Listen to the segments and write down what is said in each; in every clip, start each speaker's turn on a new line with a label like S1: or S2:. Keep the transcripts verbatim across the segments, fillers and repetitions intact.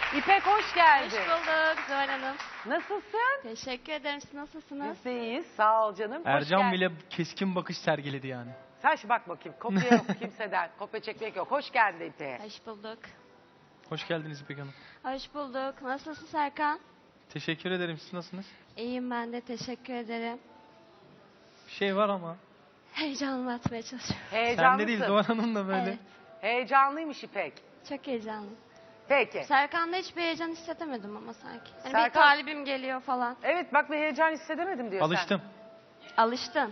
S1: İpek hoş geldin.
S2: Hoş bulduk Zuhal Hanım.
S1: Nasılsın?
S2: Teşekkür ederim. Siz nasılsınız?
S1: Biz de iyiyiz. Sağ ol canım. Hoş
S3: Ercan
S1: geldin.
S3: bile keskin bakış sergiledi yani.
S1: Sen şu bak bakayım. Kopya yok kimseden. Kopya çekmek yok. Hoş geldin İpek'e.
S2: Hoş bulduk.
S3: Hoş geldiniz İpek Hanım.
S2: Hoş bulduk. Nasılsın Serkan?
S3: Teşekkür ederim. Siz nasılsınız?
S2: İyiyim ben de. Teşekkür ederim.
S3: Bir şey var ama.
S2: Heyecanımı atmaya çalışıyorum.
S3: Sen
S1: Heyecanlısın.
S3: de değil Doğan Hanım da böyle.
S2: Evet.
S1: Heyecanlıymış İpek.
S2: Çok heyecanlıyım.
S1: Peki.
S2: Serkan'da hiçbir heyecan hissedemedim ama sanki. Hani
S1: Serkan-
S2: bir talibim geliyor falan.
S1: Evet bak bir heyecan hissedemedim diyor
S3: Alıştım.
S2: Alıştın.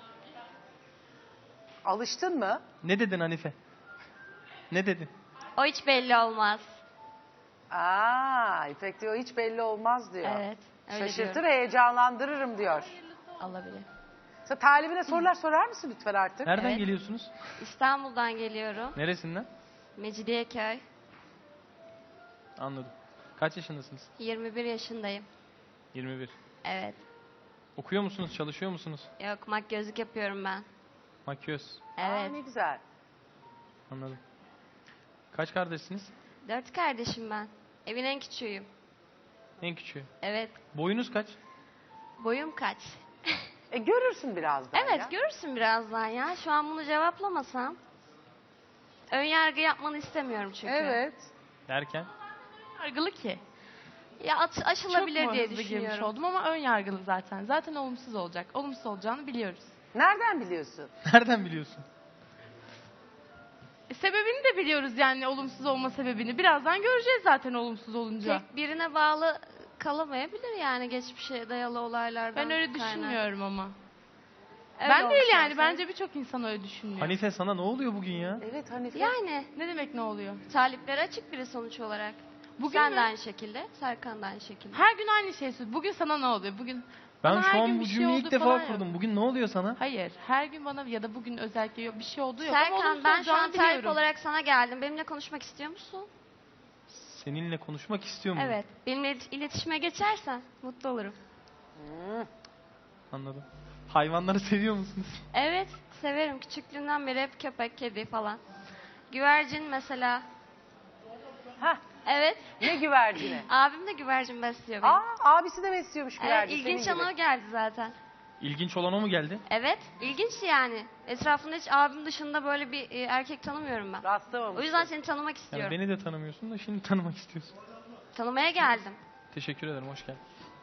S1: sen. Alıştın mı?
S3: Ne dedin Hanife? Ne dedin?
S2: O hiç belli olmaz.
S1: Aa, İpek diyor hiç belli olmaz diyor.
S2: Evet. Öyle
S1: Şaşırtır,
S2: diyorum.
S1: heyecanlandırırım diyor.
S2: Olabilir.
S1: Sen talibine sorular sorar mısın lütfen artık?
S3: Nereden
S2: Evet.
S3: geliyorsunuz?
S2: İstanbul'dan geliyorum.
S3: Neresinden?
S2: Mecidiyeköy.
S3: Anladım. Kaç yaşındasınız?
S2: yirmi bir yaşındayım.
S3: yirmi bir.
S2: Evet.
S3: Okuyor musunuz? Çalışıyor musunuz?
S2: Yok makyözlük yapıyorum ben.
S3: Makyöz.
S1: Aa,
S2: Evet.
S1: ne güzel.
S3: Anladım. Kaç kardeşsiniz?
S2: Dört kardeşim ben. Evin en küçüğüyüm.
S3: En küçüğü.
S2: Evet.
S3: Boyunuz kaç?
S2: Boyum kaç?
S1: E görürsün birazdan
S2: Evet
S1: ya.
S2: görürsün birazdan ya. Şu an bunu cevaplamasam. Ön yargı yapmanı istemiyorum çünkü.
S1: Evet.
S3: Derken?
S4: Yargılı ki.
S2: Ya at- aşılabilir
S4: Çok mu
S2: diye
S4: hızlı girmiş
S2: düşünüyorum.
S4: oldum ama ön yargılı zaten. Zaten olumsuz olacak. Olumsuz olacağını biliyoruz.
S1: Nereden biliyorsun?
S3: Nereden biliyorsun?
S4: E, sebebini de biliyoruz yani olumsuz olma sebebini. Birazdan göreceğiz zaten olumsuz olunca.
S2: Tek birine bağlı kalamayabilir yani geçmişe dayalı olaylardan.
S4: Ben öyle
S2: kaynak.
S4: düşünmüyorum ama.
S2: Öyle
S4: ben değil
S2: olmuş
S4: yani.
S2: olsaydı.
S4: Bence birçok insan öyle düşünüyor.
S3: Hanife sana ne oluyor bugün ya?
S1: Evet Hanife.
S2: Yani
S4: Ne demek ne oluyor?
S2: talipleri açık biri sonuç olarak.
S4: Bugün
S2: Sen
S4: mü?
S2: de aynı şekilde, Serkan da aynı şekilde.
S4: Her gün aynı şey söylüyor. Bugün sana ne oluyor? Bugün
S3: Ben
S4: bana her
S3: şu
S4: gün
S3: an
S4: bir
S3: bu
S4: şey
S3: cümleyi
S4: oldu
S3: ilk defa
S4: falan
S3: kurdum.
S4: yok.
S3: Bugün ne oluyor sana?
S4: Hayır. Her gün bana ya da bugün özellikle yok, bir şey oldu yok. ama
S2: Serkan
S4: olumsuz
S2: ben şu an
S4: olacağını
S2: talip
S4: biliyorum.
S2: olarak sana geldim. Benimle konuşmak istiyor musun?
S3: Seninle konuşmak istiyor muyum?
S2: Evet. Benimle ilet- iletişime geçersen mutlu olurum.
S1: Hmm.
S3: Anladım. Hayvanları seviyor musunuz?
S2: Evet, severim. Küçüklüğümden beri hep köpek, kedi falan. Güvercin mesela.
S1: Hah,
S2: Evet.
S1: ne güvercini?
S2: Abim de güvercin besliyor benim.
S1: Aa, abisi de besliyormuş
S2: Evet,
S1: güvercin.
S2: ilginç
S1: senin gibi.
S2: ana o geldi zaten.
S3: İlginç olan o mu geldi?
S2: Evet, ilginç yani. Etrafında hiç abim dışında böyle bir e, erkek tanımıyorum ben.
S1: Rastlamamışsın.
S2: O yüzden seni tanımak
S3: Yani
S2: istiyorum.
S3: beni de tanımıyorsun da şimdi tanımak istiyorsun.
S2: Tanımaya geldim.
S3: Teşekkür ederim, hoş geldin.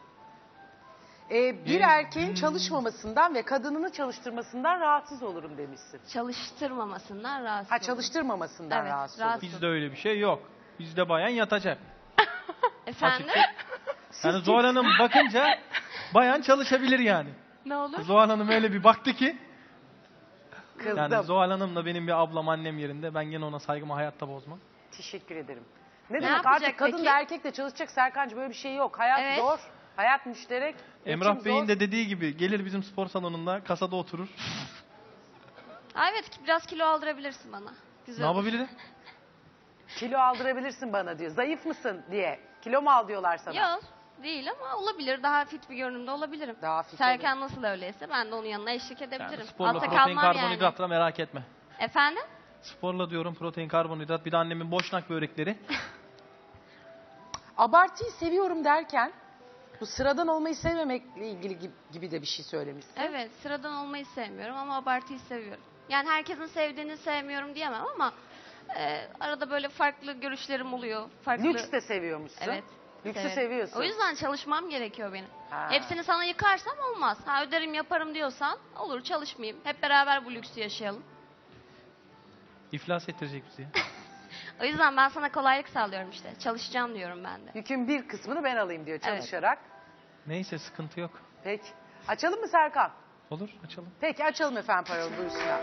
S1: Ee, bir
S3: Hmm.
S1: erkeğin çalışmamasından ve kadınını çalıştırmasından rahatsız olurum demişsin.
S2: Çalıştırmamasından rahatsız
S1: Ha
S2: oldum.
S1: çalıştırmamasından
S2: Evet,
S1: rahatsız
S2: rahatsız.
S1: olurum.
S3: Bizde öyle bir şey yok. Bizde bayan yatacak.
S2: Efendim?
S3: Açıkça. Yani Zuhal Hanım bakınca bayan çalışabilir yani.
S4: Ne olur?
S3: Zuhal Hanım öyle bir baktı ki.
S1: Kızdım.
S3: Yani Zuhal Hanım da benim bir ablam, annem yerinde. Ben gene ona saygımı hayatta bozmam.
S1: Teşekkür ederim. Ne,
S2: Ne
S1: demek
S2: yapacak
S1: artık kadın
S2: peki?
S1: da erkek de çalışacak Serkancığım, böyle bir şey yok. Hayat
S2: Evet.
S1: zor. Hayat müşterek.
S3: Emrah
S1: geçim
S3: Bey'in
S1: zor.
S3: de dediği gibi gelir bizim spor salonunda kasada oturur.
S2: Aa, evet, biraz kilo aldırabilirsin bana. Güzel
S3: Ne
S2: olur.
S3: yapabilirim?
S1: Kilo aldırabilirsin bana diyor. Zayıf mısın diye. Kilo mu al diyorlar sana?
S2: Yok, değil ama olabilir. Daha fit bir görünümde olabilirim.
S1: Daha fit
S2: Serkan nasıl öyleyse ben de onun yanına eşlik
S3: Yani
S2: edebilirim.
S3: sporla
S2: Altta
S3: protein
S2: kalmam
S3: karbonhidratla
S2: yani.
S3: merak etme.
S2: Efendim?
S3: Sporla diyorum protein karbonhidrat, bir de annemin boşnak börekleri.
S1: Abartıyı seviyorum derken bu sıradan olmayı sevmemekle ilgili gibi, gibi de bir şey söylemişsin.
S2: Evet, sıradan olmayı sevmiyorum ama abartıyı seviyorum. Yani herkesin sevdiğini sevmiyorum diyemem ama e, arada böyle farklı görüşlerim oluyor. Farklı...
S1: Lüks de seviyormuşsun.
S2: Evet.
S1: Lüksü
S2: severim.
S1: seviyorsun.
S2: O yüzden çalışmam gerekiyor benim.
S1: Ha.
S2: Hepsini sana yıkarsam olmaz. Ha öderim yaparım diyorsan olur, çalışmayayım. Hep beraber bu lüksü yaşayalım.
S3: İflas ettirecek bizi ya.
S2: O yüzden ben sana kolaylık sağlıyorum işte. Çalışacağım diyorum ben de.
S1: Yükün bir kısmını ben alayım diyor
S2: Evet.
S1: çalışarak.
S3: Neyse, sıkıntı yok.
S1: Peki. Açalım mı Serkan?
S3: Olur, açalım.
S1: Peki açalım efendim parayı, buyursunlar.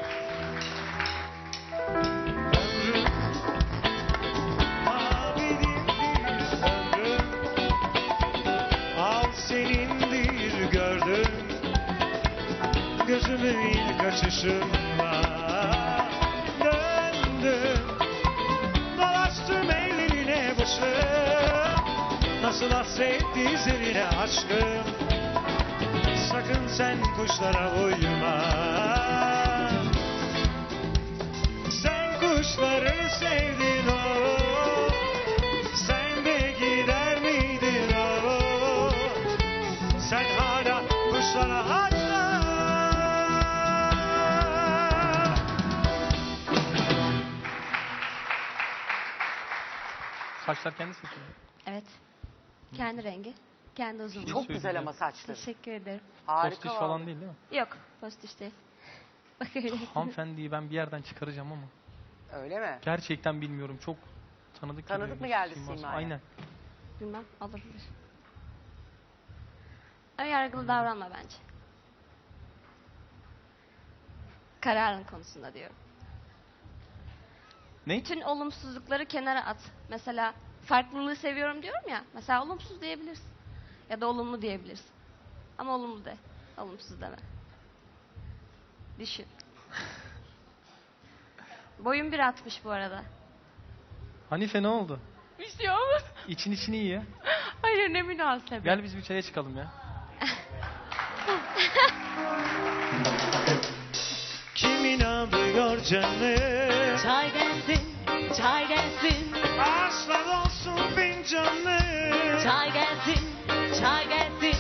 S5: Al senindir gördüm, gözümün ilk açışında döndüm, dolaştım ellerine başım, nasıl hasretti üzerine aşkım, sakın sen kuşlara uyma, sen kuşları sevdin o, sen de
S3: Saçlar kendi seçiyor.
S2: Evet. Kendi rengi, kendi uzunluğu.
S1: Çok güzel
S3: söyleyeceğim.
S1: ama saçları.
S2: Teşekkür ederim.
S1: Harika
S3: Postiş
S1: vallahi.
S3: falan değil değil mi?
S2: Yok, postiş değil. Bak öyle.
S3: Hanımefendiyi ben bir yerden çıkaracağım ama.
S1: Öyle mi?
S3: Gerçekten bilmiyorum. Çok tanıdık
S1: Tanıdık
S3: geliyor
S1: mı
S3: bir
S1: geldi
S3: siması.
S1: Sima'ya?
S3: Aynen.
S2: Bilmem, olabilir. Ön yargılı davranma bence. Kararın konusunda diyorum.
S3: Ne?
S2: Bütün olumsuzlukları kenara at. Mesela farklılığı seviyorum diyorum ya. Mesela olumsuz diyebilirsin. Ya da olumlu diyebilirsin. Ama olumlu de. Olumsuz deme. Düşün. Boyum bir altmış bu arada.
S3: Hanife ne oldu?
S4: Bir şey olmaz.
S3: İçin içini iyi ya.
S4: Hayır ne münasebet.
S3: Gel biz bir çaya çıkalım ya.
S5: Kim inanıyor canım?
S6: Çay gelsin, çay gelsin,
S5: Aslan olsun fincanım.
S6: çay gelsin, çay gelsin.